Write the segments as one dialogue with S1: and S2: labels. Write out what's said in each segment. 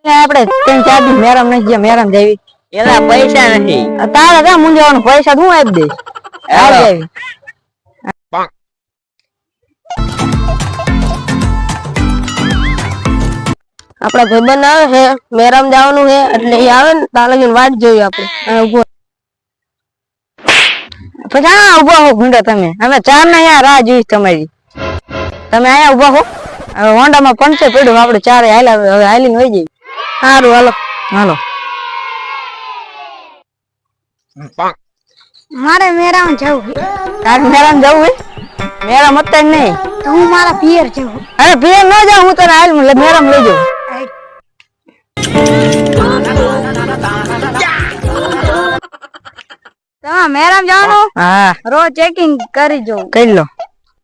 S1: આપણે 3-4 દી મેરામ નથી ગયા, મેરામ જાવી.
S2: એના પૈસા નથી.
S1: તારે કા મુંજાવાનું પૈસા હું આપી દઈશ. આ જાવી. આપડા ભાઈબંધ આવે છે, મેરામ જવાનું છે એટલે એ આવે ને ત્યાં લગીને વાટ જોઈ આપણે. ઉભો પછી હા ઉભા હો ભૂંડા તમે. અમે 4 ના અહીંયા રાહ જોઈશ તમારી. તમે અહીંયા ઉભા હો. હવે હોન્ડામાં પંચર પડ્યું, આપણે 4 હાલ્યા હવે હાલીને વહી જઈએ. સારું હાલો હાલો.
S3: મારે મેરામ જવું.
S1: તારે મેરામ જવું હે? મેરામ અત્યારે નહીં
S3: તો હું મારા પિયર જવું.
S1: અરે પિયર ન જાઉં, હું તને હાલ મેરામ લઈ જાઉં.
S3: તમે મેરામ જવાનું?
S1: હા
S3: રોજ ચેકિંગ કરી જવું.
S1: કરી લો.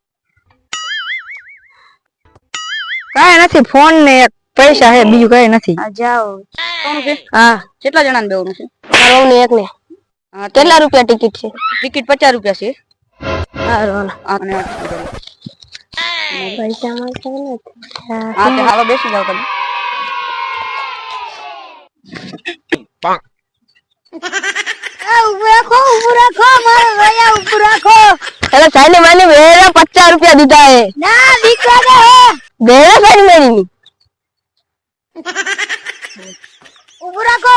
S1: કઈ નથી, ફોન ને પૈસા હે, બીજું કઈ નથી.
S3: જાઓ.
S1: હા
S2: કેટલા જણા ને બેવાનું છે?
S1: મારો ને એક ને. કેટલા રૂપિયા ટિકિટ છે?
S2: ટિકિટ 50 રૂપિયા છે.
S1: સારું
S2: અને
S1: પૈસા મળતા નથી.
S2: હા તે હાલો બેસી જાવ તમે.
S3: ઉભું રાખો મારો ભૈયા ઉભું રાખો.
S1: એટલે સાની માની બેરા 50 રૂપિયા દીધા હે.
S3: ના દીકરા દે
S1: બેરા સાની માની
S3: ઉભું રાખો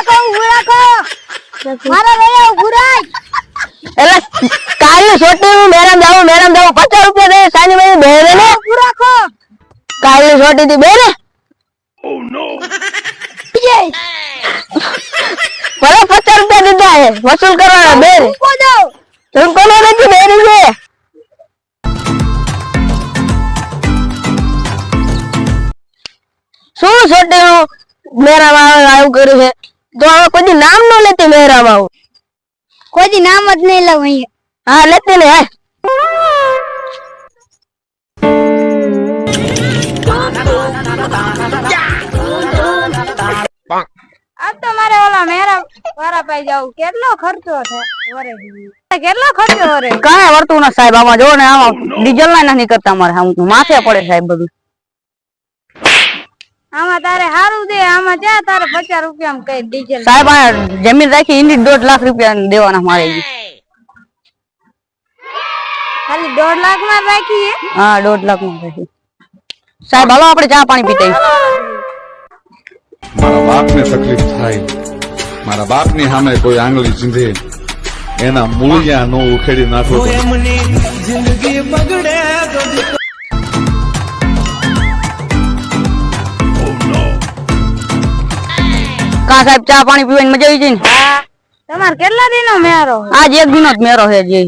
S3: મારા ભૈયા ઉભું રાખ.
S1: એટલે કાલે છોટી હું મેરામ જાઉં 50 રૂપિયા દે સાની માની બેરે ને.
S3: ઉભું રાખો.
S1: કાલે છોટી થી બેરે. ઓ નો. ભલે 50 રૂપિયા દીધા હે, વસૂલ કરવાના બેરે. તું કોને નથી બેરી છે? શું છોટી હું મેરામ આવું કર્યું છે તો હવે કોઈ નામ ન લેતી મેરામ આવું.
S3: કોઈ નામ જ નહીં લઉં અહીંયા.
S1: હા લેતી ને હા.
S3: આ તો મારે ઓલા મેરા વારા પાઈ જાવ. કેટલો ખર્ચો છે વરે? કેટલો ખર્ચો વરે?
S1: કાંઈ વર્તું ના સાહેબ, આમાં જો ને આમાં ડીઝલ ના નથી કરતા મારે, આમ માથે પડે સાહેબ બધું.
S3: આમાં તારે હારું દે, આમાં ક્યાં તારે 50 રૂપિયા કઈ ડીઝલ.
S1: સાહેબ આ જમીન રાખી એની 1.5 લાખ રૂપિયા દેવાના મારે.
S3: ખાલી 1.5 લાખ માં રાખી?
S1: હા 1.5 લાખ માં રાખી. સાહેબ હાલો આપણે ચા પાણી પીતા.
S4: મારા બાપ ને તકલીફ થાય, મારા બાપ ની સામે કોઈ આંગળી ચીંધે, એના મૂળિયા નો ઉખેડી નાખો.
S5: જિંદગી બગડે
S1: કા સાહેબ ચા પાણી પીવાની મજા આવી જાય ને.
S3: તમારે કેટલા દિનો મેરો?
S1: આજ એક દિનો જ મેરો છે જે.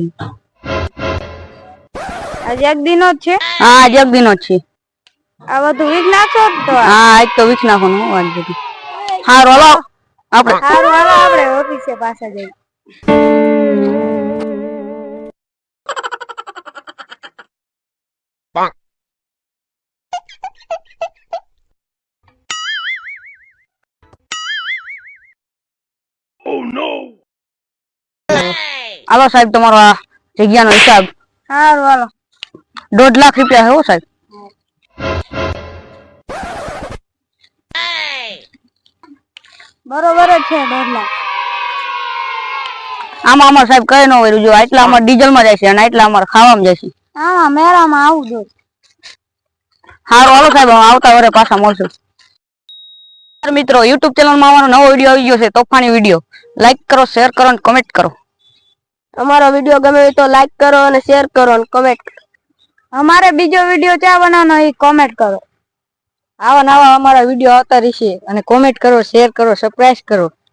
S3: આજ એક દિનો જ છે?
S1: હા આજ એક દિનો જ છે.
S3: આ બધું વીક નાખો તો?
S1: હા આજ તો વીક નાખવાનું વાત બધી. હારું હાલો આપણે.
S3: હારું હાલો આપણે ઓફિસે પાછા જઈએ.
S1: હાલો સાહેબ તમારો આ જગ્યાનો હિસાબ.
S3: હારું હાલો.
S1: 1.5 લાખ રૂપિયા હે સાહેબ.
S3: બરોબર જ છે 1.5 લાખ.
S1: આમાં અમારે સાહેબ કઈ ન હોય, જો આટલા અમારે ડીઝલ માં જાય છે અને આટલા અમારે ખાવામાં જાય છે.
S3: આમાં મેરામાં આવું જો.
S1: હારું હાલો સાહેબ આવતા વરે પાછા મળશું. મિત્રો યુટ્યુબ ચેનલ માં અમારો નવો વિડીયો આવી ગયો છે, તોફાની વિડીયો. લાઈક કરો, શેર કરો અને કમેન્ટ કરો. અમારો વિડીયો ગમે તો લાઈક કરો અને શેર કરો અને કમેન્ટ કરો.
S3: અમારે બીજો વિડીયો ક્યાં બનાવવાનો એ કોમેન્ટ કરો.
S1: આવા નવા અમારા વિડીયો આવતા રહેશે અને કોમેન્ટ કરો, શેર કરો, સબસ્ક્રાઇબ કરો.